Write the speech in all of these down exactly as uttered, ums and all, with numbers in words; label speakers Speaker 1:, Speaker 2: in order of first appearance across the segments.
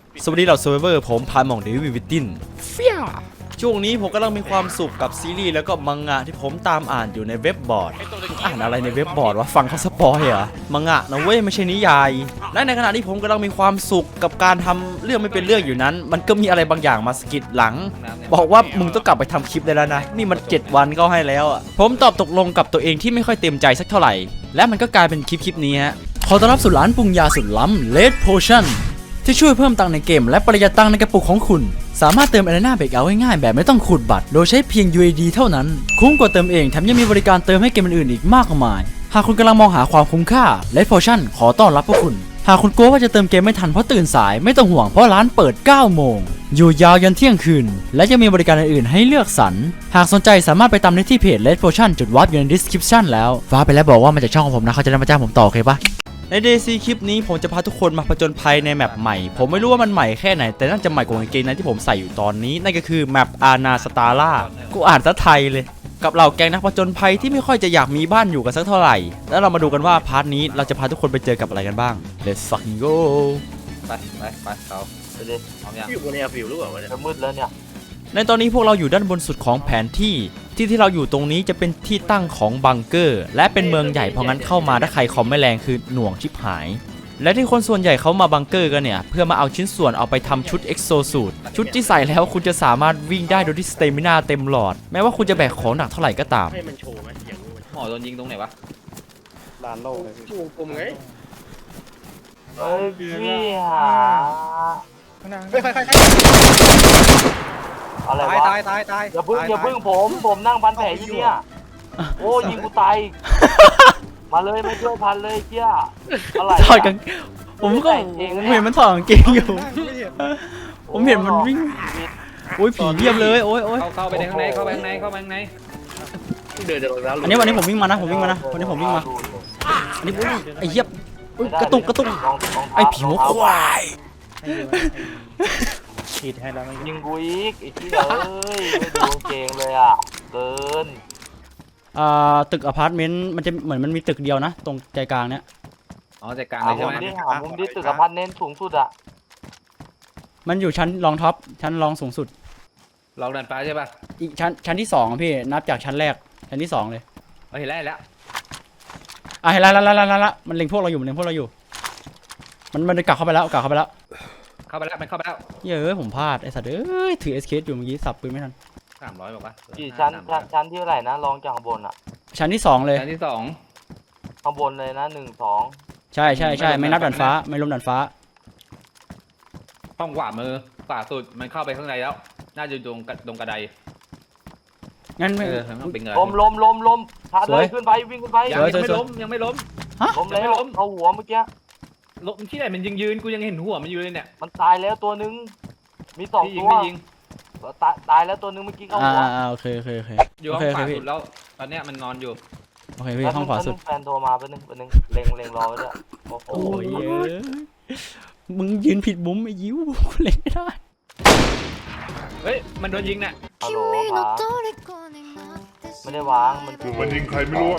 Speaker 1: สวัสดีเหล่าเซอร์ไวเวอร์ผมพายมองเดวิดวิตตินเฟี้ยช่วงนี้ผมกำลังมีความสุขกับซีรีส์แล้วก็มังงะที่ผมตามอ่านอยู่ในเว็บบอร์ดอ่านอะไรในเว็บบอร์ดวะฟังเขาสปอยเหรอมังงะนะเว้ยไม่ใช่นิยายและในขณะที่ผมกำลังมีความสุขกับการทำเรื่องไม่เป็นเรื่องอยู่นั้นมันก็มีอะไรบางอย่างมาสกิดหลังบอกว่ามึงต้องกลับไปทำคลิปได้แล้วนะนี่มันเจ็ดวันก็ให้แล้วอ่ะผมตอบตกลงกับตัวเองที่ไม่ค่อยเต็มใจสักเท่าไหร่และมันก็กลายเป็นคลิปคลิปนี้ฮะขอต้อนรับสู่ร้านปรุงยาสุดล้ำ Red Potionที่ช่วยเพิ่มตังค์ในเกมและประหยัดตังค์ในกระปุกของคุณสามารถเติม Arena Breakout ง่ายๆแบบไม่ต้องขูดบัตรโดยใช้เพียง ยู เอ ดี เท่านั้นคุ้มกว่าเติมเองแถมยังมีบริการเติมให้เกมอื่นๆอีกมากมายหากคุณกำลังมองหาความคุ้มค่า Red Potion ขอต้อนรับพวกคุณหากคุณกลัวว่าจะเติมเกมไม่ทันเพราะตื่นสายไม่ต้องห่วงเพราะร้านเปิดเก้าโมงอยู่ยาวยันเที่ยงคืนและยังมีบริการอื่นๆให้เลือกสรรหากสนใจสามารถไปตามได้ที่เพจ Red Potion จุดวาร์ปอยู่ใน description แล้วฟ้าไปแล้วบอกว่ามาจากช่องของผมนะเขาจะได้มาจ้างผมต่อโอเคปะใน ดี ซี คลิปนี้ผมจะพาทุกคนมาผจญภัยในแมปใหม่ผมไม่รู้ว่ามันใหม่แค่ไหนแต่น่าจะใหม่กว่ากางเกงในที่ผมใส่อยู่ตอนนี้นั่นก็คือแมปอานาสตาร่ากูอ่านซะไทยเลยกับเหล่าแก๊งนักผจญภัยที่ไม่ค่อยจะอยากมีบ้านอยู่กันสักเท่าไหร่แล้วเรามาดูกันว่าพาร์ทนี้เราจะพาทุกคนไปเจอกับอะไรกันบ้าง Let's fucking go
Speaker 2: ไปไปไปเขาไปดิพร้อมยัง
Speaker 3: อยู่บนแอร์ฟิวหรือเปล่าวะเนี่ย
Speaker 2: มืดแล้วเนี่ย
Speaker 1: ในตอนนี้พวกเราอยู่ด้านบนสุดของแผนที่ที่ที่เราอยู่ตรงนี้จะเป็นที่ตั้งของบังเกอร์และเป็นเมืองใหญ่เพราะงั้นเข้ามาถ้าใครคอมไม่แรงคือหน่วงชิบหายและที่คนส่วนใหญ่เขามาบังเกอร์กันเนี่ยเพื่อมาเอาชิ้นส่วนเอาไปทำชุดเอ็กโซสูทชุดที่ใส่แล้วคุณจะสามารถวิ่งได้โดยที่สเตมินาเต็มหลอดแม้ว่าคุณจะแบกของหนักเท่าไหร่ก็ตาม
Speaker 3: ให้มันโชว์ไหมอย่างนี้มัน
Speaker 2: หมอโดนยิงตรงไหนวะ
Speaker 3: ลานโลกเลยชูกลมไง
Speaker 2: เฮ้ยพี่หา
Speaker 3: เฮ้ยใครใคร
Speaker 2: อะไร
Speaker 3: ตายว
Speaker 2: ะ
Speaker 3: ตายตายตาย
Speaker 2: อย่าพึ่งอย่าพึ่งผมผมนั่งพันแผลอยู่เนี่ยโอ้ยิงกูตายมาเลยไม่ช่วยพันเลยเจี๊ยอะไร
Speaker 1: ถอดกางผมก็ผมเห็นมันถอดกางเกงอยู่ผมเห็นมันวิ่งโอ้ยผีเยียบเลยโอ้ยโอ้ย
Speaker 2: เข้าเข้าไปในข้างในเข้าไปข้างในเข้าไปข้างใน
Speaker 3: เดินเดินแล้ว
Speaker 1: อันนี้วันนี้ผมวิ่งมานะผมวิ่งมานะวันนี้ผมวิ่งมาอันนี้ไอ้เยียบกระตุกกระตุกไอ้ผิวควาย
Speaker 3: ฉีดให้แล้วไม่
Speaker 2: ยิงกูอีกไอ้ที่เอ้ยไม่ดูเกงเลยอ่ะเกิน
Speaker 1: อ่าตึกอพาร์ตเมนต์มันจะเหมือนมันมีตึกเดียวนะตรงใจกลางเนี้ย
Speaker 2: อ๋อใจกลางเลยใช่ไหมหามุมที่ตึกอพาร์ตเมนต์สูงสุดอ่ะ
Speaker 1: มันอยู่ชั้นรองท็อปชั้นรองสูงสุด
Speaker 2: ลองดันฟ้าใช่ป่ะ
Speaker 1: อีกชั้นชั้นที่สองอะพี่นับจากชั้นแรกชั้นที่สองเลย
Speaker 2: เห็นแล้วเห็นแล้ว
Speaker 1: อ่ะเห็นแล้วแล้วแล้วแล้วมันเล็งพวกเราอยู่มันเล็งพวกเราอยู่มันมันกลับเข้าไปแล้วกลับเข้าไปแล้ว
Speaker 2: เข้าไปแล้วมันเข้าไปแล้ว
Speaker 1: เย้ยผมพลาดไอ้สัตว์เอ้ยถือเอสเคอยู่เมื่อกี้สับปืนไม่ทัน
Speaker 2: สามร้อยบอกว่า
Speaker 4: กี่ชั้นชั้นชั้นที่เท่าไหร่นะลองจากข้างบนอ่ะ
Speaker 1: ชั้นที่สองเลย
Speaker 2: ชั้นที่สอง
Speaker 4: ข้างบนเลยนะหนึ่งสอง
Speaker 1: ใช่ใช่ใช่ไม่นับดันฟ้าไม่ล้มดันฟ้า
Speaker 2: ห้องขวามือขวาสุดมันเข้าไปข้างในแล้วน่าจะตรงตรงกระได
Speaker 1: งั้นไม่
Speaker 2: เออมันเป็นเงิน
Speaker 4: ล้มล้มล้มล้มพา
Speaker 1: ส
Speaker 4: เล
Speaker 1: วย
Speaker 4: ยขึ้นไปวิ่งขึ้นไป
Speaker 2: ยัง
Speaker 1: สวย
Speaker 2: ไม่ล้มยังไม่ล้ม
Speaker 4: ล้มแล้ว
Speaker 2: ยังไม่ล้ม
Speaker 4: เอาหัวเมื่อกี้
Speaker 2: ล้มที่ไหนมันยิงยืนกูยังเห็นหัวมันอยู่เลยเนี่ย
Speaker 4: มันตายแล้วตัวนึงมีสอง
Speaker 2: พี่ยิง
Speaker 4: ตัว
Speaker 2: ไม่ยิง
Speaker 4: ตายตายแล้วตัวนึงเมื่อกี้เข้า
Speaker 1: อ่า
Speaker 4: หัว
Speaker 1: อ่าโอเคโอเคโอเค
Speaker 2: อยู่
Speaker 1: โอ
Speaker 2: ห้อง
Speaker 1: เค
Speaker 2: ขวา
Speaker 1: โอเค
Speaker 2: สุดแล้วตอนเนี้ยมันนอนอยู่
Speaker 1: โอเคพี่ห้องขวาสุด
Speaker 4: แฟนโทรมาแป๊บนึงแป๊บนึงเล็งเล็งรอไว้ด้วยโอ้โห
Speaker 1: โอ้ยเอ้ยมึงยืนผิดมุมไอ้ยิ้วเล่นไม่ได้
Speaker 2: เฮ้ยมันโดนยิงเนี่ย
Speaker 4: ฮัลโหลครับไม่ได้วางมัน
Speaker 5: คือมันยิงใครไม่รู้อะ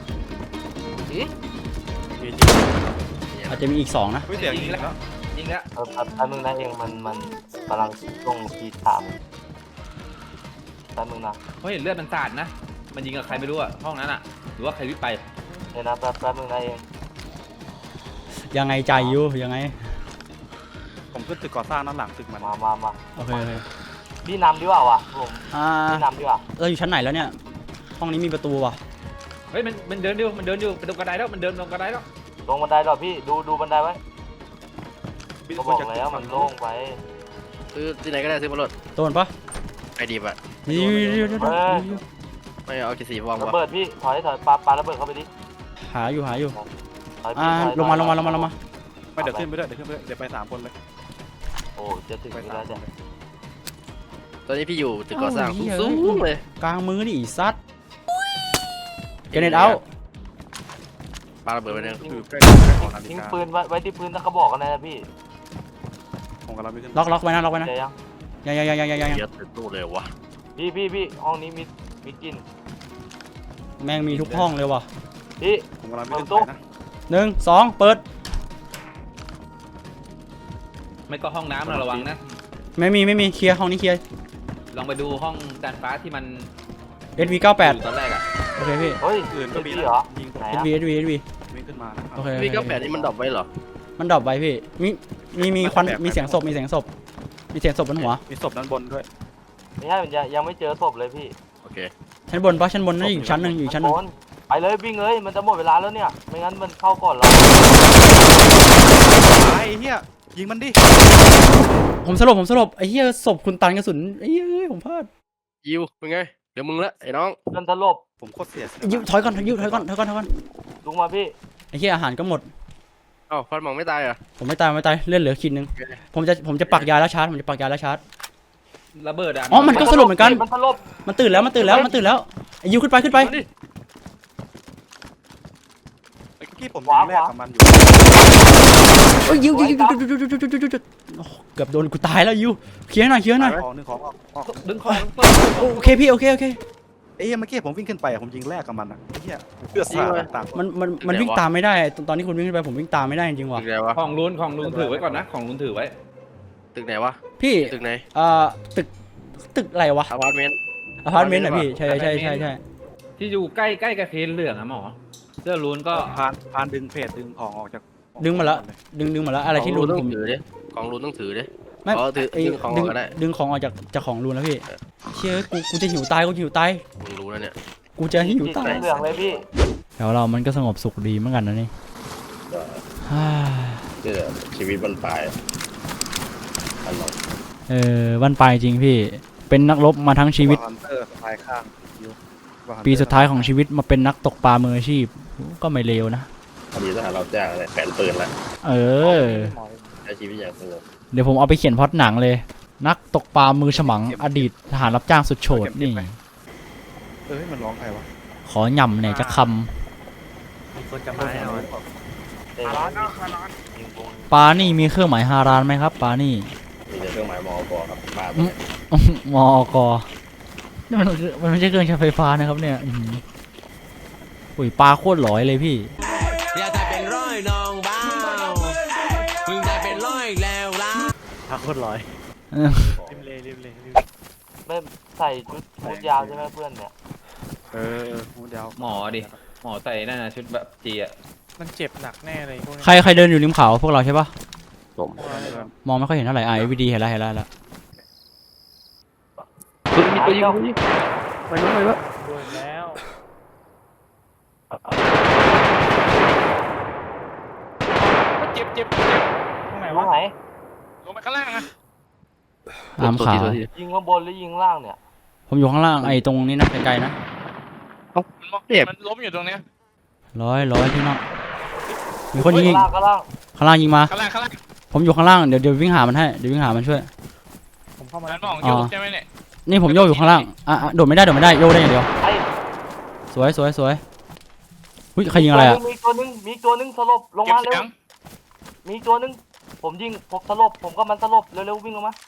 Speaker 1: อาจจะมีอีกสองนะ
Speaker 3: เสียง
Speaker 2: ยิ
Speaker 3: ยิ
Speaker 2: ง
Speaker 3: ง
Speaker 2: แล้ว
Speaker 3: แล้ว
Speaker 2: ยิงแล้ว
Speaker 4: เออแป๊บแป๊บนึงนะเองมันมันกำลังช่วงทีถามแป๊บนึงนะ
Speaker 2: เขาเห็นเลือดมันสาดนะมันยิงกับใครไม่รู้อะห้องนั้นอะหรือว่าใครวิ่งไป
Speaker 4: เดี๋ยวนะแป๊บแป๊บนึงนะเอง
Speaker 1: ยังไงใจอยู่ยังไง
Speaker 3: ผมขึ้นตึกก่อสร้างด้านหลังตึกมัน
Speaker 4: มามามา
Speaker 1: โอเคโอเค
Speaker 4: พี่นำดีกว่าวะผม
Speaker 1: อ่า
Speaker 4: พี่นำดีกว่า
Speaker 1: เราอยู่ชั้นไหนแล้วเนี่ยห้องนี้มีประตูว่ะ
Speaker 2: เฮ้ยมันมันเดินอยู่มันเดินอยู่ไปตรงกระไดแล้วมันเดินลงกระไดแล้ว
Speaker 4: ลงบันไดหรอพี่ดูดูบันไดไว้ก็บอกแล้วมันโล่งไป
Speaker 6: ซื้อที่ไหนก็ได้ซื้อมาโหลด
Speaker 1: โดนปะ
Speaker 6: ไอดีบอะ
Speaker 1: นี่
Speaker 6: ไม่เอากี่สีวาง
Speaker 4: ระ
Speaker 6: วะ
Speaker 4: เบิดพี่ถอยถอยปาปาระเบิดเข้าไปดิ
Speaker 1: หาอยู่หาอยู่
Speaker 4: ถอย
Speaker 1: อ่า
Speaker 4: พี่ถอย
Speaker 1: ลงมาลงมาลงมาลงมา
Speaker 3: ไม่เดี๋ยวขึ้นไปด้วยเดี๋ยวขึ้นไปด้วยเดี๋ยวไปสามคนเลย
Speaker 4: โอ้จะถึง
Speaker 3: ไป
Speaker 4: อยู่
Speaker 3: สา
Speaker 4: แล้
Speaker 3: ม
Speaker 4: วจ้ะ
Speaker 6: ตอนนี้พี่อยู่ตึกก่อสร้างสูงๆเลย
Speaker 1: กลางมือดิซัดเกเนตเอา
Speaker 6: ปาระเบิดไปหนึ่ง
Speaker 3: คือใกล้ใกล้ของนาฬิ
Speaker 4: ทิ้ง
Speaker 3: กา
Speaker 4: ปืนไว้ไว้ที่พื้นแล้วก็บอกกันนะพี่
Speaker 3: ผมกำลังไม่ขึ้น
Speaker 1: ล็อกล็อกไว้นะล็อกไว้นะ
Speaker 4: เดี๋ยวยัง
Speaker 1: ยังยังยังยังยังยัง
Speaker 6: เยอะตึกตู้เลยวะ
Speaker 4: พี่พี่พี่ห้องนี้มีมีกลิน
Speaker 1: แม่งมีทุกห้องเลยว่ะ
Speaker 4: พี่
Speaker 3: ผมกำลังไม่ขึ้น
Speaker 4: เปิดตู้
Speaker 3: ไปนะ
Speaker 1: หนึ่งสองเปิด
Speaker 5: ไม่ก็ห้องน้ำนะระวังนะ
Speaker 1: ไม่มีไม่มีเคลียร์ห้องนี้เคลียร์
Speaker 5: ลองไปดูห้องจานฟ้าที่มัน
Speaker 1: เอสวีเก้าแปด
Speaker 5: อยู่ตอนแรกอ่ะ
Speaker 1: โอเคพี่
Speaker 2: เฮ้ย
Speaker 3: อื่นก็มี
Speaker 2: พี่
Speaker 3: นะ
Speaker 2: เหรอ
Speaker 3: ยิง
Speaker 2: ไหน
Speaker 1: เอส
Speaker 2: อะ
Speaker 1: วีเอสวีเอสวี
Speaker 3: วิ่งขึ้นมานะ
Speaker 1: โอเค
Speaker 6: พี่เก้าแปดนี่มันดรอปไว้เหรอ
Speaker 1: มันดรอปไว้พี่มีมีมีควันมีเสียงศพมีเสียงศพมีเสียงศพบนหัว
Speaker 3: มีศพด้านบนด้วย
Speaker 2: ไม่ใช่มันยังยังไม่เจอศพเลยพี่
Speaker 6: โอเค
Speaker 1: ชั้นบนปะชั้นบนนั่นอยู่ชั้นหนึ่งอยู่ชั้นหนึ่ง
Speaker 2: โอนไปเลยวิ่งเลยมันจะหมดเวลาแล้วเนี่ยไม่งั้นมันเข้าก่อนเรา
Speaker 3: ไอ้เหี้ยยิงมันดิ
Speaker 1: ผมสลบผมสลบไอ้เหี้ยศพคุณตันกระสุนไอ้เหี้ยผมพลาด
Speaker 6: ยิวเป็นไงเดี๋ยวมึงละไอ้น้อง
Speaker 2: เดินสลบ
Speaker 3: ผมโคตรเสีย
Speaker 1: ยิวถอยก่อนยิวถอยก่อนถอยก่อนถอยก่อน
Speaker 2: ลุงมาพี่
Speaker 1: ไอ้เหี้ยอาหารก็หมด
Speaker 6: เอ้าฟันหมองไม่ตายเหรอ่ะ
Speaker 1: ผมไม่ตายไม่ตายเลื่อนเหลือขีดนึงผมจะผมจะปักยาแล้วชาร์จผมจะปักยาแล้วชาร์จ
Speaker 5: ระเบิดอ่ะ
Speaker 1: อ๋อมันก็สลบเหมือนกัน
Speaker 2: มันสลบ
Speaker 1: มันตื่นแล้วมันตื่นแล้วมันตื่นแล้วไอ้ยิวขึ้นไปขึ้นไป
Speaker 6: มาดิ
Speaker 3: ไอ้เมื่อกี้ผมยิงแรกกับมันอยู่
Speaker 1: เอ้ยยิวยิวยิวยิวยิวยิวยิวยิวยิวยิวโอ้โหเกือบโดนกูตายแล้วยิวเคลียร์หน่อยเคลียร์หน่อย
Speaker 3: ของหนึ่งของออกออก
Speaker 5: ดึงคอ
Speaker 1: โอเคพี่โอเคโอเค
Speaker 3: ไอ้เหี้ยเมื่อกี้ผมวิ่งขึ้นไปอะผมยิงแรกกับมันอะไอ้เหี้ยเพื่อสาดต่าง
Speaker 1: มันมันมันวิ่งตามไม่ได้ตอนตอนที่คุณวิ่งขึ้นไปผมวิ่งตามไม่ได้จริงๆว่ะ
Speaker 6: ตึกไหนวะ
Speaker 5: ของลุนของลุนถือไว้ก่อนนะของลุนถือไว้
Speaker 6: ตึกไหนวะ
Speaker 1: พี่
Speaker 6: ตึกไหน
Speaker 1: เอ่อตึกตึกอะไรวะ
Speaker 6: อพาร์ตเมนต์
Speaker 1: อพาร์ตเมนต์เหรอพี่ใช่ใช่ใช่ใช่
Speaker 5: ที่อยู่ใกล้ใกล้กับเคนเหลืองอะหมอเสื้อลุนก็
Speaker 3: พานพานดึงเพจดึงของออกจาก
Speaker 1: ดึงมาแล้วดึงดึงมาแล้วอะไรที่รูน
Speaker 6: ต้อ
Speaker 1: ผม
Speaker 6: งถือดิของรูนต้องถือดิ
Speaker 1: ไม่
Speaker 6: อ๋อถือ
Speaker 1: ไอ้
Speaker 6: ดึงของอ
Speaker 1: ดึ
Speaker 6: อง กก็ได้
Speaker 1: ดึงของออกจากจากของรูนแล้วพี่เชื่อกูกูจะหิวตายกูจะหิวตาย
Speaker 6: มึงรู้แล้วเนี่ย
Speaker 1: กูจะหิวตาย
Speaker 2: เหลืองเลยพี่
Speaker 1: แล้วเรามันก็สงบสุขดีเหมือนกันนะนี่ฮ่า
Speaker 6: คือชีวิตมันปลายอันนั้น
Speaker 1: เออวันปลายจริงพี่เป็นนักรบมาทั้งชีวิต
Speaker 3: ฮันเตอร์สายข้างอยู่
Speaker 1: ปีสุดท้ายของชีวิตมาเป็นนักตกปลามืออาชีพก็ไม่เลวนะ
Speaker 6: พอดีทหารเราจ้างเลยแผนปืนละ
Speaker 1: เออ
Speaker 6: ใช้ชีวิตอย่างสงบ
Speaker 1: เดี๋ยวผมเอาไปเขียนพล็อตหนังเลย นักตกปลามือฉมังอดีตทหารรับจ้างสุดโฉดนี่
Speaker 3: เอ้ยมันร้องใครวะ
Speaker 1: ขอหย่ำหน่อยจะค
Speaker 4: มีคนจะมาแน่นอน
Speaker 2: เตะยิงวง
Speaker 1: ำปลานี่มีเครื่องหมายฮารานไหมครับปลานี่
Speaker 6: มีแต่เครื่องหมายมอกครับบ้าไป
Speaker 1: มอกนี่มันมันไม่ใช่เครื่องใช้ไฟฟ้านะครับเนี่ยอื้อหืออุ้ยปลาโคตรหลอยเลยพี่
Speaker 7: อยากได้เป็นร้อยน้องบ้าวมึงได้เป็นร้อยแล้วล่ะ
Speaker 4: พาโคตรร้อย
Speaker 1: เออ
Speaker 4: ริมเลยริมเลยริม
Speaker 2: ไม่ใส่ชุดชุดยาวใช่ไหมเพื่อนเนี่ย
Speaker 3: เออเดี๋ยว
Speaker 5: หมอดิหมอใส่นั่นนะชุดแบบจีอะ
Speaker 8: มันเจ็บหนักแน่เลยพวกนี้
Speaker 1: ใครใครเดินอยู่ริมเขาพวกเราใช่ปะ
Speaker 6: ผม
Speaker 1: มองไม่ค่อยเห็นเท่าไหร่ไอวีดีเห็นแล้วเห็นแล้วเห็นแล้ว
Speaker 6: มีตัวยิงยิงไปนู้นไปวะ
Speaker 8: โดนแล้ว
Speaker 5: เจ็บเจ็บเจ็บ
Speaker 8: ตรงไหน
Speaker 2: ล
Speaker 8: วะ
Speaker 2: งไหน
Speaker 5: ลงไปข้างล่างอะ
Speaker 1: ตามขา
Speaker 6: ตัวที
Speaker 2: ยิงข้างบนหรือยิงล่างเนี่ย
Speaker 1: ผมอยู่ข้างล่างไอ้ตรงนี้นะไกลๆนะ
Speaker 5: มันล้มอยู่ตรงเนี้ย
Speaker 1: ร้อยร้อยพี่น้องมีคนยิงอีก
Speaker 2: ล่างก็ล่าง
Speaker 1: ข้างล่างยิงมา
Speaker 5: ข้างล่างข้างล่าง
Speaker 1: ผมอยู่ข้างล่างเดี๋ยวเดี๋ยววิ่งหามันให้เดี๋ยววิ่งหามันช่วย
Speaker 8: ผมเข้ามา
Speaker 5: มั
Speaker 8: แล้
Speaker 5: น
Speaker 8: ว
Speaker 5: มอง
Speaker 1: อ๋
Speaker 5: โย
Speaker 1: อ
Speaker 5: กใช่ไหมเนี่ย
Speaker 1: นี่ผมโยกอยู่ข้างล่างอ่ะอ่ะโดดไม่ได้โดดไม่ได้โยกได้อย่างเดียว
Speaker 2: ไอ้
Speaker 1: สวยสวยสวยอุ้ยใครยิงอะไรอ่ะ
Speaker 2: มีตัวนึงมีตัวนึงสลบลง
Speaker 5: เก็บ
Speaker 2: มาเร็
Speaker 5: เสี
Speaker 2: วย
Speaker 5: ง
Speaker 2: มีตัวนึงผมยิงผมสลบผมก็มันสลบเร็วๆวิ่งลงมา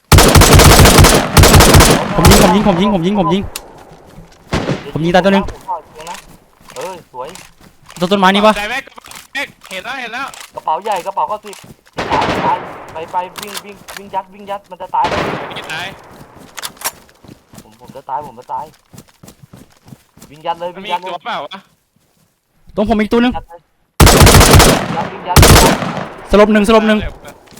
Speaker 1: ผมยิงผมยิงผมยิงผมยิงผมยิง ผมยิงตายตัวนึง
Speaker 2: ผมขอเสียงนะเออสวย
Speaker 1: ต้นต้นไม้นี่ปะ
Speaker 5: ใจแม็กแม็กเห็นแล้วเห็นแล้ว
Speaker 2: กระเป๋าใหญ่กระเป๋าก็สิบตายตายไปไปวิ่งวิ่งวิ่งยัดวิ่งยัดมันจะตายแล้ว
Speaker 5: ยิงตาย
Speaker 2: ผมผมจะตายผมจะตายวิ่งยัดเลย
Speaker 5: มัน
Speaker 2: วิ่ง
Speaker 5: มี
Speaker 2: ยัดเล
Speaker 5: ตั
Speaker 2: ยว
Speaker 5: เปล่าวะ
Speaker 1: ตรงผมอีกตัวหนึง
Speaker 2: ยัดเลยยัดวิ่งยัดวิ่งยัด
Speaker 1: สลบหนึ่งสลบหนึ่ง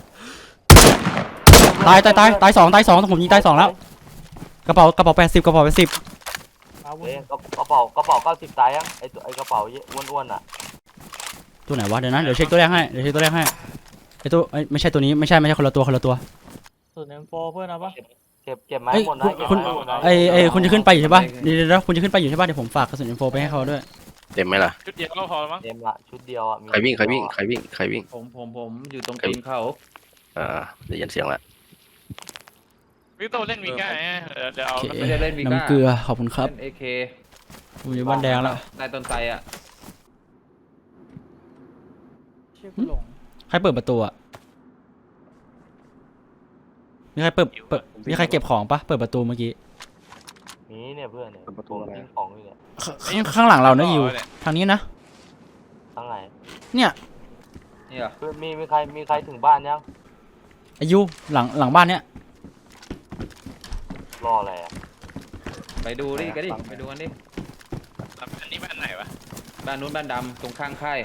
Speaker 1: ตายตายตายตายสองตายสองผมยิงตายสองแล้วกระเป๋ากระเป๋าแปดสิบกระเป๋าแปดสิบ
Speaker 8: อาวุธ
Speaker 2: เอ้ยกระกระเป๋ากระเป๋าเก้าสิบตายยังไอตัวไอกระเป๋าอ้วนๆอ่ะ
Speaker 1: ตัวไหนวะเดี๋ยวนะเดี๋ยวเช็คตัวแรกให้เดี๋ยวเช็คตัวแรกให้ไอตัวเอ้ยไม่ใช่ตัวนี้ไม่ใช่ไม่ใช่คนละตัวคนละตัว
Speaker 8: ส่วนเอ็มโฟเพื่อนนะปะ
Speaker 2: เก็บเก็บไม้
Speaker 1: เอ้ย
Speaker 2: หมดนะ
Speaker 1: คุณ
Speaker 2: เก็บไม้หมดนะ
Speaker 1: ไอไอคุณจะขึ้นไปอยู่ใช่ปะเดี๋ยวเดี๋ยวเดี๋ยวคุณจะขึ้นไปอยู่ใช่ปะเดี๋ยวผมฝากกระสุนอินโฟไปให้เขาด้วย
Speaker 6: เต็มไหมล่ะ
Speaker 5: ชุดเดียวก็พอแล้วมั้ง
Speaker 2: เต็มละชุดเดียวอ่ะมี
Speaker 6: ใครวิ่งใครวิ่งใครวิ่งใครวิ่ง
Speaker 5: ผมผมผมอยู่ตรงตีนเขา
Speaker 6: อ่าได้ยินเสียงแล้ว
Speaker 5: วิโต้เล่นวีก้าเดี๋ยวเอา
Speaker 1: โอเค
Speaker 5: ไม่ได้เล่นวีก้า
Speaker 1: น้ำเกลือขอบคุณครับ
Speaker 5: เล่นเอเค
Speaker 1: ผมอยู่บ้านแดงแล้ว
Speaker 5: นายต้นไทรอ่ะ
Speaker 8: เชื่อกูหลง
Speaker 1: ใครเปิดประตูอ่ะมีใครเปิดเปิดมีใครเก็บของปะเปิดประตูเมื่อกี้
Speaker 2: มีเนี่ยเพื่อนเนี่ยผมทิ้งของอยู่เนี่ย
Speaker 1: ข้างข้างหลังเรานะอยู่ทางนี้นะ
Speaker 2: ทั้งไหน
Speaker 1: เนี่ย
Speaker 5: นี่เหรอ
Speaker 2: เพื่อนมีมีใครมีใครถึงบ้านยัง
Speaker 1: อายุหลังหลังบ้านเนี้ย
Speaker 2: รออะไรอ่ะ
Speaker 5: ไปดูดิกันดิไปดูกันดิ
Speaker 9: อันนี้บ้านไหนวะ
Speaker 5: บ้านนู้นบ้านดำตรงข้างค่าย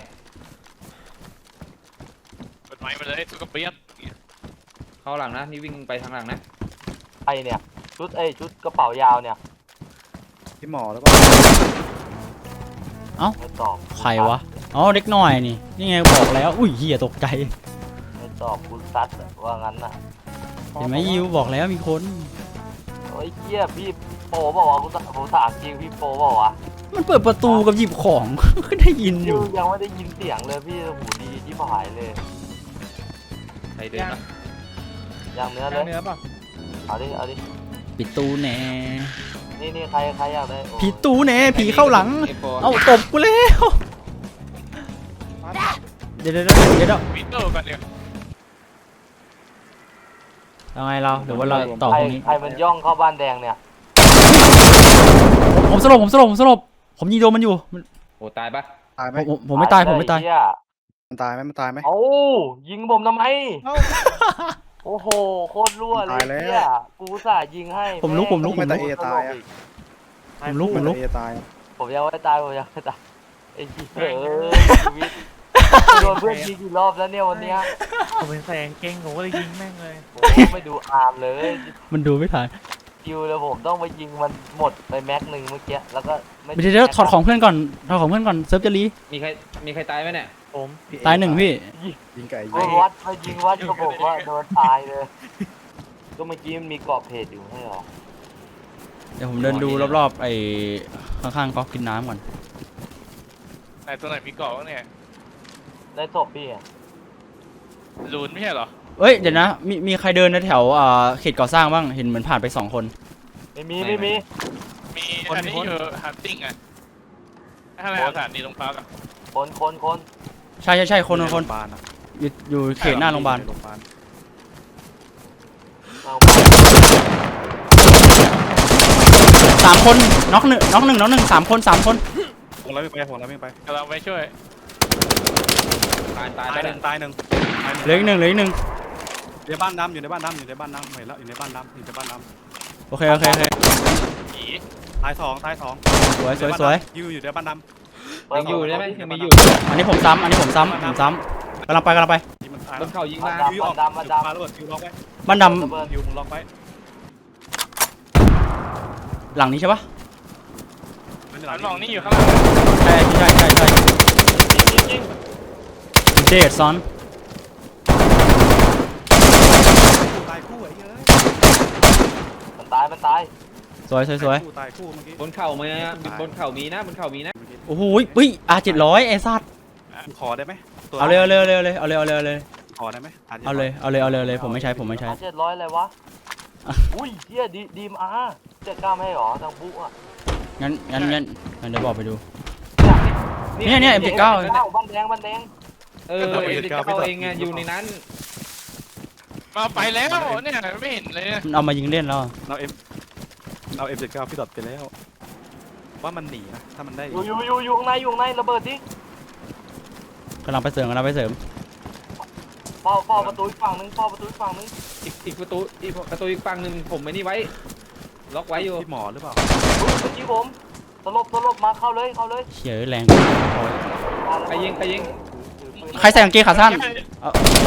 Speaker 9: เปิดไม้มาเลยสุกเปียก
Speaker 5: เข้าหลังนะนี่วิ่งไปทางหลังนะ
Speaker 2: ไอเนี่ยชุดเอ้ยชุดกระเป๋ายาวเนี่ย
Speaker 3: พี่หมอแล้วก็
Speaker 2: ไม่ตอบ
Speaker 1: ใครวะอ๋อเด็กหน่อยนี่นี่ไงบอกแล้วอุ้ยเฮียตกใจ
Speaker 2: ไม่ตอบคุณซัดอะว่างั้นน่ะ
Speaker 1: เห็นไหมยิวบอกแล้วมีคน
Speaker 2: โอ้ยเหี้ยพี่โปบอกว่ากูถผมถามจริงพี่โปบอกว่า
Speaker 1: มันเปิดประตูกับหยิบของ ก็ได้ยินอยู่
Speaker 2: ยังไม่ได้ยินเสียงเลยพี่หูดีที่ผายเลย
Speaker 5: ใครเดินนะ
Speaker 2: อย่างเนื้อเล
Speaker 8: ย่าง
Speaker 2: ย
Speaker 8: เนื้อป่ะ
Speaker 2: เอาดิเอาดิ
Speaker 1: ปิดตู้แหน่
Speaker 2: นี่นี่ใครใครอยากได้โอ้ย
Speaker 1: ผีตู้แหน่ผีเข้าหลัง
Speaker 5: ไอ้โฟ
Speaker 1: เอาตบกูแล้วเดี๋ยวเดี๋ยวเดี๋ยวเดี๋ยวเดี๋ยว
Speaker 9: วิโต้กันเนี่ย
Speaker 1: ยังไงเราเดี๋ยวว่าเราต่อ
Speaker 2: ใคร
Speaker 1: ตรงนี้
Speaker 2: ใครมันย่องเข้าบ้านแดงเนี่ย
Speaker 1: ผมสลบผมสลบผมสลบผมยิงโดนมันอยู่มัน
Speaker 5: โอ้ตายปะ
Speaker 3: ตายไหม
Speaker 1: ผมผมผมไม่ตายผมไม่ตาย
Speaker 2: เหี้ย
Speaker 3: มันตายไหมมันตายไหม
Speaker 2: เอ้ายิงผมทำไมโอ้โหโคตรรั่วเลย
Speaker 3: ตายแล้ว
Speaker 2: เหี้ยกูอุตสาห์ยิงให้
Speaker 1: ผมลุกผมลุก
Speaker 3: ไม่ตายเอตายอะ
Speaker 1: ผมลุกผมลุก
Speaker 3: เอตายอะ
Speaker 2: ผมยังไม่ตายผมยังไม่ตายไอ้เหี้ยเออชีวิตโดนเพื่อนยิงกี่รอบแล้วเนี่ยวันเนี้ย
Speaker 8: ผมเป็นแสงเก่งผมก็เลยยิงแม่งเลย
Speaker 2: ผมไม่ดูอาร์มเลย
Speaker 1: มันดูไม่ทัน
Speaker 2: คิวเลยผมต้องไปยิงมันหมดไปแม็กหนึ่งเมื่อกี้แล้วก็ไม่
Speaker 1: เดี๋ยวเดี๋ยวถอดของเพื่อนก่อนถอดของเพื่อนก่อนเซิร์ฟจะรี
Speaker 5: มีใครมีใครตายไหมเนี่ย
Speaker 8: ผม
Speaker 3: พี่เอ
Speaker 1: ตายหนึ่งพี่
Speaker 3: ยิงไก่
Speaker 2: ไปวัดไปยิงวัดก็บอกว่าโดนตายเลย ก็เมื่อกี้มันมีเกาะเพจอยู่ไม่ใช่หรอ
Speaker 1: เดี๋ยวผมเดินดูรอบๆไอ้ข้างๆก๊อกกินน้ำก่อน
Speaker 9: ไหนตัวไหนมีเกาะวะเนี่ย
Speaker 2: ได้ศพพี่อะ
Speaker 9: ลูนไม่ใช่เหรอ
Speaker 1: เอ้ยเดี๋ยวนะมีมีใครเดินในแถวอ่าเขตก่อสร้างบ้างเห็นเหมือนผ่านไปสองคน
Speaker 2: ไม่มีไม่มี
Speaker 9: มีอันนี้อยู่ฮันติ้งอ่ะถ้าอะไรสถานีตรงพักอ่ะ
Speaker 2: คนคนคน
Speaker 1: ใช่ใช่ใช่คนคนคน
Speaker 3: โรงพยาบาลอะ
Speaker 1: อยู่อยู่เขตหน้าโรงพยาบาล
Speaker 3: โรงพยาบาล
Speaker 2: เอา
Speaker 1: สามคนน็อกหนึ่งน็อกหนึ่งน็อกหนึ่งสามคนสามคน
Speaker 3: ผมแล้วไม่ไปผมแล้วไม่ไป
Speaker 9: กำลังไปช่วย
Speaker 5: ตายตาย
Speaker 3: ตาย
Speaker 5: ไป
Speaker 3: ห
Speaker 5: เล
Speaker 3: นึ่
Speaker 5: ย
Speaker 3: งตายหนึ่งตายหนึ่ง
Speaker 1: เหลืออีกหนึ่งเหลืออีกหนึ่ง
Speaker 3: อยู่ในบ้านดำอยู่ในบ้านดำอยู่ในบ้านดำเห็นแล้วอยู่ในบ้านดำอยู่ในบ้านด
Speaker 1: โอเคโอเคโอเค
Speaker 9: ผี
Speaker 3: ำตายสองตายสอง
Speaker 1: สวยสวยสวย
Speaker 3: อยู่อยู่ในบ้านด
Speaker 5: ยังอยู่ใช่ไหมยังมีอยู่
Speaker 1: อันนี้ผมซ้ำอันนี้ผมซ้ำผมซ้ำกำลังไปกำลังไป
Speaker 3: ำที่มันตาย
Speaker 5: บนเขายิง
Speaker 2: มา
Speaker 5: มา
Speaker 2: ดำ
Speaker 3: ยูอ
Speaker 2: มา
Speaker 3: อก
Speaker 2: ดำมาดำ
Speaker 3: มาแล้วยูล็อกไว้
Speaker 1: บ้านด
Speaker 2: ระเบิด
Speaker 3: ยูมึงล็อกไว้
Speaker 1: ำหลังนี้ใช่ปะ
Speaker 9: มันมองนี่อยู่ข้างหลัง
Speaker 1: ใช่ใช่ใช่ใช่
Speaker 2: ยิงยิง
Speaker 1: เดดซอน
Speaker 3: ตายคู่ไอ้เหี้ย
Speaker 2: มันตายมันตาย
Speaker 1: สวยสวยสวย
Speaker 3: คู่ตายคู่เมื่อกี้
Speaker 5: บนเขามีนะบนเขามีนะบนเขามีนะ
Speaker 1: โอ้โหปุ้ยอาเจ็ดร้อยไอ้สัตว์
Speaker 3: ขอได้ไหมตัว
Speaker 1: เอาเลยเอาเลยเอาเลยเอาเลยเอาเลยเอาเลยเอาเลย
Speaker 3: ขอได้ไหม
Speaker 1: เอาเลยเอาเลยเอาเลยเอาเลยผมไม่ใช้ผมไม่ใช้
Speaker 2: เจ็ดร้อยอะไรวะอุ้ยเฮียดีดีมอาร์เจ็ดกล้ามให้หรอทางบุ๊กอะ
Speaker 1: งั้นงั้นงั้นงั้นเดี๋ยวบอกไปดู
Speaker 2: นี่
Speaker 1: เนี่ยเนี่ย เอ็ม เจ็ดเก้า
Speaker 2: บ้านแดงบ้านแดง
Speaker 5: เออเอ็นเขาเองไงอยู่ในนั้น
Speaker 9: มาไปแล้วเนี่ยไม่เห็นเลยเนี่ย
Speaker 1: มันเอามายิงเล่นแล้ว
Speaker 3: เราเอ็มเราเอ็มเจ็ดเก้าพี่ดอทไปแล้ว ว่ามันหนีนะถ้ามันได้
Speaker 2: อยู่อยู่อยู่อยู่ข้างในอยู่ข้างในระเบิดดิ
Speaker 1: กำลังไปเสริมกำลังไปเสริม
Speaker 2: เฝ้าเฝ้าประตูอีกฝั่งนึงเฝ้าประตูอีกฝั่งนึง
Speaker 5: อีกอีกประตูอีกประตูอีกฝั่งหนึ่งผมไอ้นี่ไว้ ล็อกไว้อยู่
Speaker 3: พี่หมอหรือเปล่า
Speaker 2: อุ๊ยเมื่อกี้ผมสลบสลบมาเข้าเลยเข้าเลย
Speaker 1: เฉียแรง
Speaker 5: ใครยิงใครยิง
Speaker 2: ถือปืน
Speaker 1: ใครใส่กางเกงขาสั้นเอา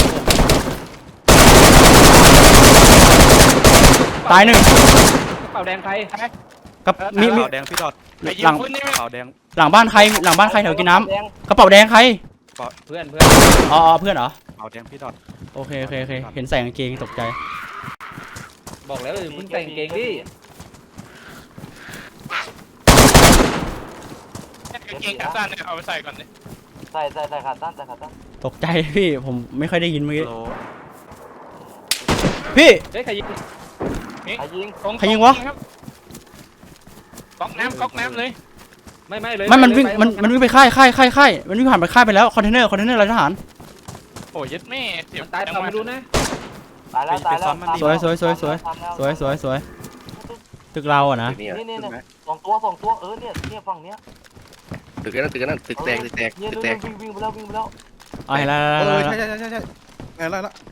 Speaker 1: ตายหนึ่ง
Speaker 5: กระเป๋าแดงใคร
Speaker 1: กับมีมี
Speaker 3: ขาวแดงพี่ดอท
Speaker 9: ไอ้ยิ
Speaker 1: หลั
Speaker 9: ง
Speaker 1: ง
Speaker 9: คุณนี่ไม่
Speaker 3: ขาวแดง
Speaker 1: หลังบ้านใครหลังบ้านใครแถวกินน้
Speaker 2: แดง
Speaker 1: ำกระเป๋าแดงใคร
Speaker 5: เพื่อนเพื่อน
Speaker 1: อ๋ออ๋อเพื่อนเหรอ
Speaker 3: ขาวแดงพี่ดอท
Speaker 1: โอเคโอเคโอเคเห็นใส่กางเกงตกใจ
Speaker 5: บอกแล้วเพิ่งแต่งเกงดิ
Speaker 9: กางเกงขาสั้นเนี่ยเอาไปใส่ก่อนเลย
Speaker 2: ใส่ใส่ใส่ขาตั้นใส่ขาตั้น
Speaker 1: ตกใจพี่ผมไม่ค่อยได้ยินเมื่อกี้
Speaker 3: โล
Speaker 1: พี่
Speaker 5: เฮ้ยใครยิง
Speaker 2: ใครยิง
Speaker 1: ใครยิงวะ
Speaker 9: ก๊อกน้ำก๊อกน้ำเลย
Speaker 5: ไม่ไม่เลย
Speaker 1: ไม่มันวิ่งมันมันวิ่งไปค่ายค่ายค่ายค่ายมันวิ่งผ่านไปค่ายไปแล้วคอนเทนเนอร์คอนเทนเนอร์อะไรทหาร
Speaker 9: โอ้ยัดแม่เสีย
Speaker 5: มันตายเปล่าไม่รู้นะ
Speaker 2: ตายแล้วตายแล้ว
Speaker 1: สวยสวยสวยสวยสวยสวยสวยตึกเราอะนะ
Speaker 2: นี่นี่นี่สองตัวสองตัวเออเนี่ยเนี่ยฝั่งเนี้ย
Speaker 6: ตึกนั้นตึกนั้นตึกแตกตึกแตก
Speaker 2: เนี่ย
Speaker 6: ตึก
Speaker 2: เนี่ย
Speaker 6: แตก
Speaker 2: วิ่งวิ่งไปแล้ววิ่งไปแล้ว
Speaker 1: เอาเห็นแล้ว
Speaker 3: เอ
Speaker 1: แล้ว
Speaker 3: อ
Speaker 1: แล้ว
Speaker 3: ใช่ใช่ใช่ใช่ไงแล้วละ
Speaker 2: ข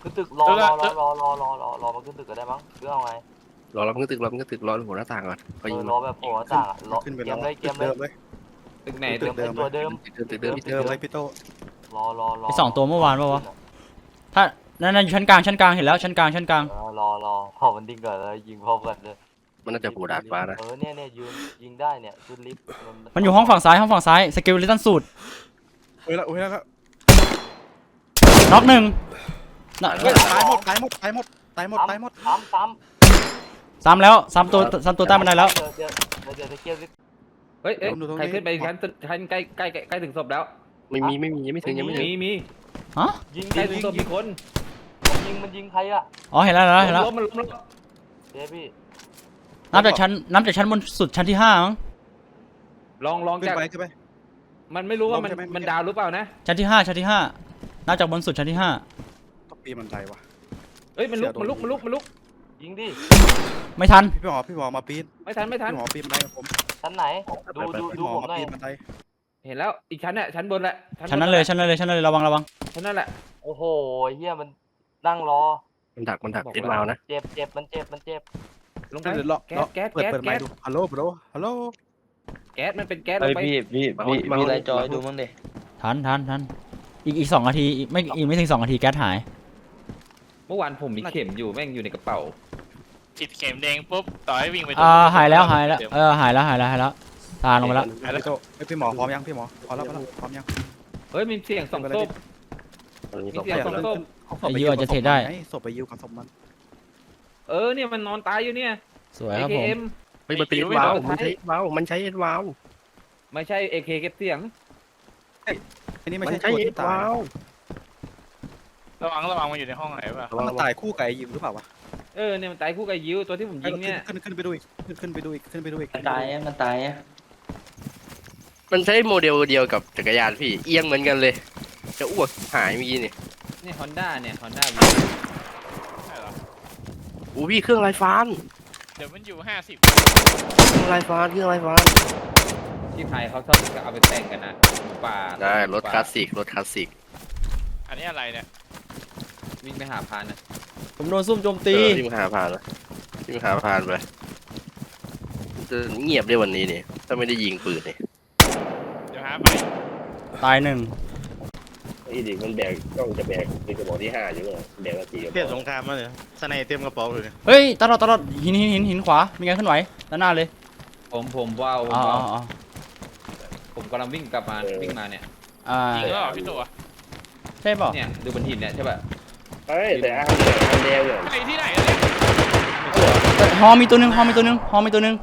Speaker 2: ขึ้นตึกรอรอรอรอรอรอรอรอมาขึ้นตึกก็ได้มั้งหรือเอาไง
Speaker 6: รอเราเพิ่งตึกรอเพิ่งตึกรอหัวหน้าต่างก่อน
Speaker 2: เอ
Speaker 6: เขายิ
Speaker 2: อง รอแบบโผล่ต่างรอ
Speaker 3: ขึ้นไป
Speaker 2: เก
Speaker 3: แล้ว
Speaker 2: มเลยเกมเล
Speaker 3: เดิ
Speaker 2: ย
Speaker 3: มเลย
Speaker 5: ตึกไหน
Speaker 2: เก
Speaker 5: ตึ
Speaker 2: ม
Speaker 5: ก
Speaker 2: เป็นตัวเดิม
Speaker 6: ตึกตึกเดิม
Speaker 3: เดิมเลยพี่โต
Speaker 2: รอรอรอ
Speaker 1: ไอสองตัวเมื่อวานปะวะถ้านั่นนั่นอยู่ชั้นกลางชั้นกลางเห็นแล้วชั้นกลางชั้นกลาง
Speaker 2: เออรอรอพอมันดิ้งก่อนแล้วยิงพร้อมกันเลย
Speaker 6: มันน่าจะโผล่ดาดฟ้านะ
Speaker 2: เออเนี่ยเนี่ยยืนยิงได้เนี่ยขึ้นลิฟต์
Speaker 1: มันอยู่ห้องฝั่งซ้ายห้องฝั่งซ้ายสกิลลิตันสูตร
Speaker 3: โอ้ยละโอ้ยละ
Speaker 1: น็อกหนึ่งน่ะ
Speaker 3: ตายหมดตายหมดตายหมดตายหมดตายหมด
Speaker 2: ซ้ำซ้ำ
Speaker 1: ซ้ำแล้วซ้ำตัวซ้ำตัวใต้บันไดแล้ว
Speaker 2: เดี๋ยวเดี๋ยวเดี๋ยวจะเกียร์ลิฟต์
Speaker 5: เฮ้ยเอ้ยใครขึ้นไปชั้นชั้นใกล้ใกล้ใกล้ถึงศพแล้ว
Speaker 6: ไม่มีไม่มียังไม่ถึงยังไม่ถึง
Speaker 5: มีมี
Speaker 1: ฮะ
Speaker 2: ยิง
Speaker 5: ใกล้
Speaker 2: ยิง
Speaker 5: ถึงศพมีคน
Speaker 2: มันยิงมันยิงใครอะ
Speaker 1: อ๋อเห็นแล้วเห็นแล้วเห็นแล้ว
Speaker 5: ล้มมันล้มแล้ว
Speaker 2: เจ๊พี่
Speaker 1: นับจากชั้นนับจากชั้นบนสุดชั้นที่ห้ามั้ง
Speaker 5: ลองลอง
Speaker 3: ขึ้น
Speaker 5: จาก
Speaker 3: ไปขึ้นไป
Speaker 5: มันไม่รู้ว่ามัน
Speaker 3: ลงใช่ไหม
Speaker 5: มันดาวหรือเปล่านะ
Speaker 1: ชั้นที่ห้าชั้นที่ห้านับจากบนสุดชั้นที่ห้า
Speaker 3: ต้องปีมันไดวะ
Speaker 5: เอ้ยมันลุกมันลุกมันลุกมันลุก
Speaker 2: ยิงดิ
Speaker 1: ไม่ทัน
Speaker 3: พี่หมอพี่หมอมาปีน
Speaker 5: ไม่ทันไม่ทัน
Speaker 3: พี่หมอปีนบันไดกับผม
Speaker 2: ชั้นไหนดูดู
Speaker 3: พี่
Speaker 2: ดู
Speaker 3: หมอ
Speaker 2: ผม
Speaker 3: มา
Speaker 2: หน่อย
Speaker 3: ปีนบันได
Speaker 5: เห็นแล้วอีกชั้นน่ะชั้นบนแหละ
Speaker 1: ชั้นนั้นเลยชั้นนั้นเลยชั้นนั้นเลยระวังระวัง
Speaker 5: ชั้นนั่นแหละ
Speaker 2: โอ้โหเฮียมันนั่งรอ
Speaker 6: มันดักมันดักเอ็ดวาวนะ
Speaker 2: เจ็บเจ็บมันเจ็บมันเจ็บ
Speaker 5: ลงไป
Speaker 3: เดี๋ยวเลาะ
Speaker 5: แก๊ส
Speaker 3: เลาะ
Speaker 5: แก๊ส
Speaker 3: เปิด
Speaker 5: แก๊ส
Speaker 3: เปิดไม
Speaker 5: แก๊
Speaker 3: ค์
Speaker 5: ส
Speaker 3: ดูฮัลโหลบรฮัลโหล
Speaker 5: แก๊สมันเป็นแก๊สล
Speaker 4: เฮ้ย
Speaker 5: งไป
Speaker 4: พี่พี่พี่มีอะไรจอยดูมั้งดิ
Speaker 1: ทันทันทันอีกอีกสองนาทีอีกไม่อีกไม่ถึงสองนาทีแก๊สหาย
Speaker 5: เมื่อวานผมมีเข็มอยู่แม่งอยู่ในกระเป๋า
Speaker 9: ฉีดเข็มแดงปุ๊บต่อให้วิ่งไป
Speaker 1: อ่าหายแล้วหายแล้วเออหายแล้วหายแล้วหายแล้วตาลงไปแล้ว
Speaker 3: พี่โตเอ้ยพี่หมอพร้อมยังพี่หมอพร้อมแล้วพร้อมแล้วพร้อมยัง
Speaker 5: เฮ้ยมีเสียงสองศพ
Speaker 6: ตอนนี้
Speaker 5: มี
Speaker 6: ต้อง
Speaker 5: เสียง
Speaker 6: ไป
Speaker 5: สอง
Speaker 6: แล้ว
Speaker 5: ศพ
Speaker 3: ศพไปยิวกับศพมันไงศพไปยิวกับศพมัน
Speaker 5: เออเนี่ยมันนอนตายอยู่เนี่ย
Speaker 1: สวยครับผม
Speaker 5: เอ็ม
Speaker 6: เฮ้ยมันเป็นเอ็ดวาวมันใช้เอ็ดวาวมันใช้เอ็ดวาว
Speaker 5: ไม่ใช่เอเคเก็บเสียง
Speaker 3: อันนี้ไม่
Speaker 6: มัน
Speaker 3: ใช่
Speaker 6: ใช้
Speaker 3: ตัว
Speaker 6: เอ็
Speaker 3: ที่
Speaker 6: ด
Speaker 3: ตายว
Speaker 6: าว
Speaker 9: ระวังระวังมันอยู่ในห้องไหนป่ะ
Speaker 3: มันตายคู่กับไอ้ยิวหรือเปล่าวะ
Speaker 5: เออเนี่ยมันตายคู่กับยิวตัวที่ผมยิงเนี่ย
Speaker 3: ขึ้นขึ้นไปดูอีกขึ้นขึ้นไปดูอีกขึ้นไปดูอีก
Speaker 4: มันตายอ่ะมันตายอ่ะ
Speaker 6: มันใช้โมเดลเดียวกับจักรยานพี่เอียงเหมือนกันเลย จะอ้วกหายเมื่อกี้นี่
Speaker 5: เนี่ยฮอนด้าเนี่ยฮอนด้า
Speaker 9: ใช่เหรอ
Speaker 6: อู้พี่เครื่องลายฟ้าน
Speaker 9: เดี๋ยวมันอยู่ห้าสิบ
Speaker 6: เครื่องลายฟ้านเครื่องลายฟ้าน
Speaker 5: ที่ไทยเขาชอบเอาไปแต่งกันนะหมูป่า
Speaker 6: ได้รถคลาสสิกรถคลาสสิก
Speaker 9: อันนี้อะไรเนี่ย
Speaker 5: วิ่งไปหาพานนะ
Speaker 1: ผมโดนซุ่มโจม
Speaker 6: เอ
Speaker 1: ตี
Speaker 6: อที่มึงหาผ่านเลยที่มึงหาผ่านไปจะเงียบได้วันนี้นี่ถ้าไม่ได้ยิงปืนนี่
Speaker 9: เดี๋ยวหาไป
Speaker 1: ตายหนึ่ง
Speaker 6: ไอ้ดิมันแบกต้องจะแบกเป็นกระบอกที่ห้าอยู่เลยแบกนาที
Speaker 3: เปลี่ยนสงครามมาเลยสไนเต็มกระเป๋าเลย
Speaker 1: เฮ้ยตลอดตลอดหินหินหินหินขวามีไงเคลื่อนไหวด้านหน้าเลย
Speaker 5: ผมผมว้าวผม
Speaker 1: อ๋อ
Speaker 5: ว้าว
Speaker 1: อ๋อ
Speaker 5: ผมกำลังวิ่งกลับมาวิ่งมาเนี่ย
Speaker 1: อ่า
Speaker 9: จริงหรือเปล่าพี่ตัว
Speaker 1: ใช่เปล่า
Speaker 5: เนี่ยดูบนหินเนี่ยใช่ป่ะ
Speaker 6: เฮ้ยแต่อันเนี่ยอันแดงเนี่ย
Speaker 9: ไอ้ที่ไหนเนี่ย
Speaker 1: ฮอมีตัวหนึ่งฮอมีตัวหนึ่งฮอมีตัวหนึ่ง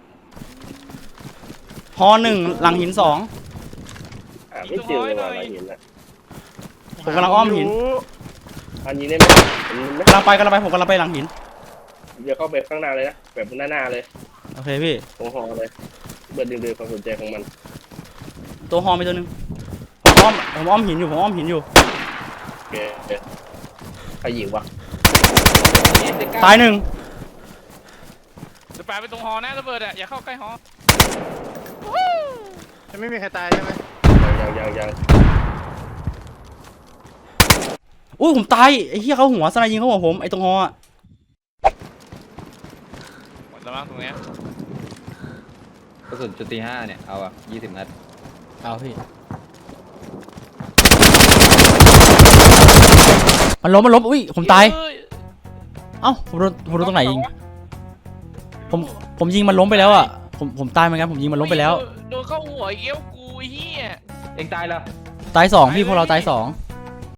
Speaker 1: ฮอหนึ่งหลังหินสอง
Speaker 6: อ่าไม่เจอเลยว่ะเห็นละ
Speaker 1: ผมกำลังอ้อมหิน
Speaker 6: อันนี้ได้ไหมไม่
Speaker 1: กำลังไปกำลังไปผมกำลังไปหลังหิน
Speaker 6: เดี๋ยวเข้าไปข้างหน้าเลยนะแบบหน้าหน้าเลย
Speaker 1: โอเคพี่
Speaker 6: ตรงหอเลยเบิร์ดดึงดูความสนใจของมัน
Speaker 1: ตัวฮอมีตัวหนึ่งผมอ้อมผมอ้อมหินอยู่ผมอ้อมหินอยู่
Speaker 6: โอเคใครยิงวะ
Speaker 1: ตายหนึ่ง
Speaker 9: จะปาไปตรงหอนะระเบิดอ่ะอย่าเข้าใกล้หอ
Speaker 3: จะไม่มีใครตายใช่ไหม
Speaker 6: ยังยังยัง
Speaker 1: อุ้ยผมตายไอ้เหี้ยเขาหัวสไนยิงเขาหัวผมไอ้ตรงฮออะ
Speaker 9: หมดแล้วมั้งตรงเนี้ย
Speaker 5: กระสุนจุดตีห้าเนี่ยเอาอ่ะยี่สิบนัด
Speaker 1: เอาพี่มันล้มมันล้มอุ้ยผมตาย
Speaker 9: เอ้
Speaker 1: เอ้าผมโดนผมโดนตรงไหนยิงผมผมยิงมันล้มไปแล้วอ่ะผมผมตายเหมือนกันผมยิงมันล้มไปแล้ว
Speaker 9: โดนเข้าหัวเอี้ยวกูไอ้เหี้ย
Speaker 5: เองตายแล้ว
Speaker 1: ตายสองพี่พวกเราตายสอง